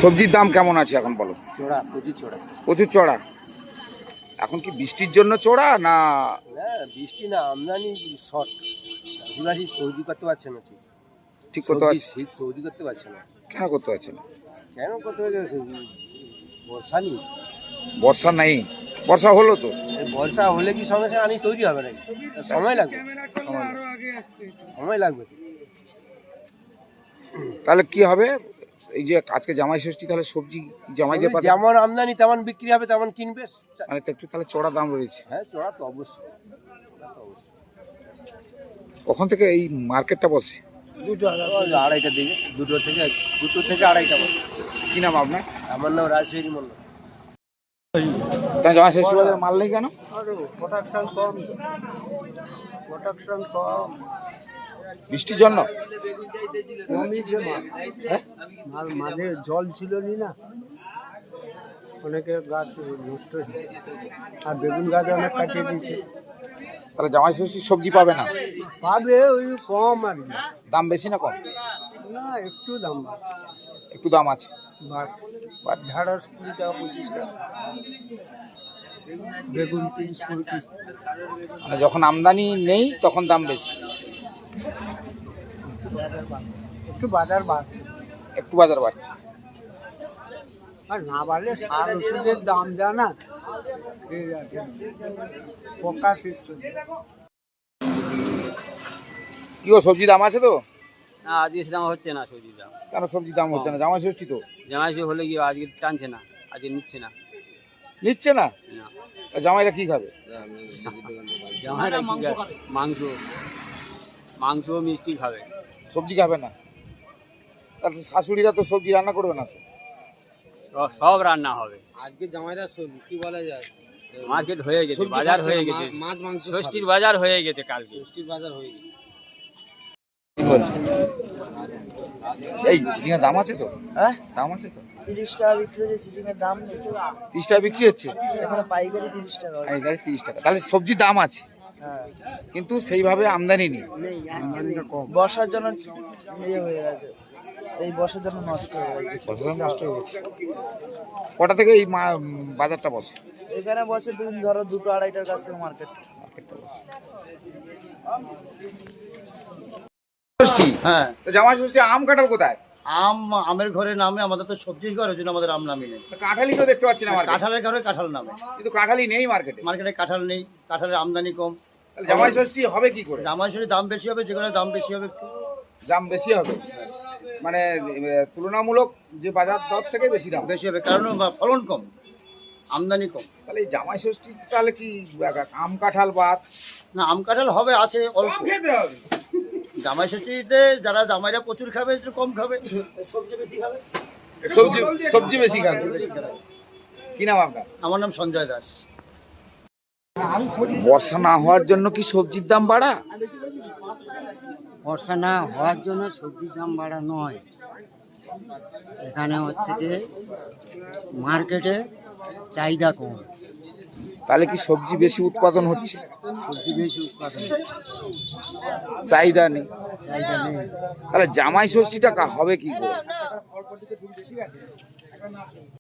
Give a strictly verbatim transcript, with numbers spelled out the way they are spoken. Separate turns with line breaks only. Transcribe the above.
সবজির দাম কেমন আছে এখন বলো?
চড়া, প্রচুর চড়া।
প্রচুর চড়া। এখন কি বৃষ্টির জন্য চড়া না?
বৃষ্টি না, আমদানি শর্ট। চাষিবাসী তৈরি করতে পারছে না, ঠিক
ঠিক করতে পারছে
ঠিক তৈরি করতে পারছে না।
কেন করতে পারছে না?
কেন করতে পারছে? বর্ষা নেই।
বর্ষা নাই? বর্ষা হলো তো।
বর্ষা হলে কি সঙ্গে সঙ্গে আনি তৈরি হবে নাকি? সময় লাগবে, সময় লাগবে।
তাহলে কি হবে? এই যে আজকে জামাই ষষ্ঠী, তাহলে সবজি জামাই দিয়ে পাবে?
যেমন আমদানি তেমন বিক্রি হবে, তেমন কিনবে।
মানে তো একটু তাহলে চড়া দাম রয়েছে।
হ্যাঁ, চড়া তো অবশ্যই।
কখন থেকে এই মার্কেটটা বসে?
দুটো আড়াইটা দিকে, দুটো থেকে দুটো থেকে আড়াইটা বসে।
কি নাম আপনার?
আমার নাম রাজশাহী মন্ডল।
জামাই ষষ্ঠী বাজারে মাল নেই কেন?
প্রোডাকশন কম, প্রোডাকশন কম।
বৃষ্টির জন্য?
মাল মাঝে জল ছিল নি না, অনেকে গাছ নষ্ট হয়েছে, আর বেগুন গাছ অনেক কাটিয়ে দিয়েছে।
তাহলে জামাই ষষ্ঠীর সবজি পাবে না?
পাবে, ওই কম আর কি।
দাম বেশি না কম?
না, একটু দাম আছে।
একটু দাম আছে।
বাস ঢাড়স কুড়ি টাকা, পঁচিশ টাকা। বেগুন তিরিশ পঁচিশ।
মানে যখন আমদানি নেই তখন দাম বেশি।
একটু বাজার বাড়ছে।
একটু বাজার বাড়ছে।
আর না বাড়লে সার ওষুধের দাম জানা, ঠিক আছে, পোকা শেষ করে।
কি গো, সবজি দাম আছে তো?
না, আজকে দাম হচ্ছে না সবজির দাম।
কেন সবজির দাম হচ্ছে না? জামাই ষষ্ঠী তো।
জামাই ষষ্ঠী হলে কি আজকে টানছে না, আজকে নিচ্ছে না।
নিচ্ছে না?
না।
জামাইরা কি খাবে?
জামাইরা কি খাবে? মাংস, মাংস মিষ্টি খাবে,
সবজি খাবে না? তাহলে শাশুড়িরা তো সবজি রান্না করবে না?
সব সব রান্না হবে।
আজকে জামাইরা কি বলা যায়,
মার্কেট হয়ে গেছে, বাজার হয়ে গেছে,
মাছ মাংস
ষষ্ঠীর বাজার হয়ে গেছে, কালকে
ষষ্ঠীর বাজার হয়ে গেছে।
কি বলছে? এই চিচিঙের দাম আছে তো?
হ্যাঁ,
দাম আছে তো?
তিরিশ টাকা বিক্রি হচ্ছে চিচিংয়ের দাম নেই
তিরিশ টাকা বিক্রি হচ্ছে
এখানে, পাইকারি তিরিশ টাকা হচ্ছে।
পাইকারি তিরিশ টাকা। তাহলে সবজির দাম আছে,
হ্যাঁ,
কিন্তু সেইভাবে আমদানি নেই।
বর্ষার জন্য ইয়ে হয়ে গেছে, এই বর্ষার জন্য নষ্ট হয়ে গেছে।
ফসল নষ্ট হয়ে গেছে। কটা থেকে এই মা- বাজারটা বসে?
এখানে বসে তুমি ধরো দুটো আড়াইটার কাছ থেকে মার্কেট।
মার্কেটটা বসে। ষষ্ঠী,
হ্যাঁ,
তো জামাই ষষ্ঠী আম কাঁঠাল কোথায়?
আম আমের ঘরে নামে, আমাদের তো সবজি ঘর, ওই জন্য আমাদের আম নামি নেই।
তো কাঁঠালই তো দেখতে পাচ্ছি না মার্কেটে।
কাঁঠালের ঘরে কাঁঠাল নামে,
কিন্তু কাঁঠালই নেই মার্কেটে।
মার্কেটে কাঁঠাল নেই, কাঁঠালের আমদানি কম।
তাহলে জামাই ষষ্ঠী হবে কি করে?
জামাইষষ্ঠীর দাম বেশি হবে, যেখানে দাম বেশি হবে একটু।
দাম বেশি হবে মানে এ, তুলনামূলক যে বাজার দর থেকে বেশি দাম।
বেশি হবে কারণ বা- ফলন কম, আমদানি কম।
তাহলে এই জামাই ষষ্ঠী তাহলে কি আম কাঁঠাল বাদ?
না, আম কাঁঠাল হবে, আছে অল্প। জামাই ষষ্ঠীতে যারা জামাইরা প্রচুর খাবে, একটু কম খাবে, সবজি বেশি খাবে।
সবজি সবজি বেশি খাবে।
বেশি খাবে।
কি নাম আপনার?
আমার নাম সঞ্জয় দাস।
বর্ষা না হওয়ার জন্য কি সবজির দাম বাড়া?
বর্ষা না হওয়ার জন্য সবজির দাম বাড়া নয়, এখানে হচ্ছে কি মার্কেটে চাহিদা কম,
তাহলে কি সবজি বেশি উৎপাদন হচ্ছে,
সবজি বেশি উৎপাদন হচ্ছে,
চাহিদা নেই?
চাহিদা নেই।
তাহলে জামাই ষষ্ঠীটা কা- হবে কি করে?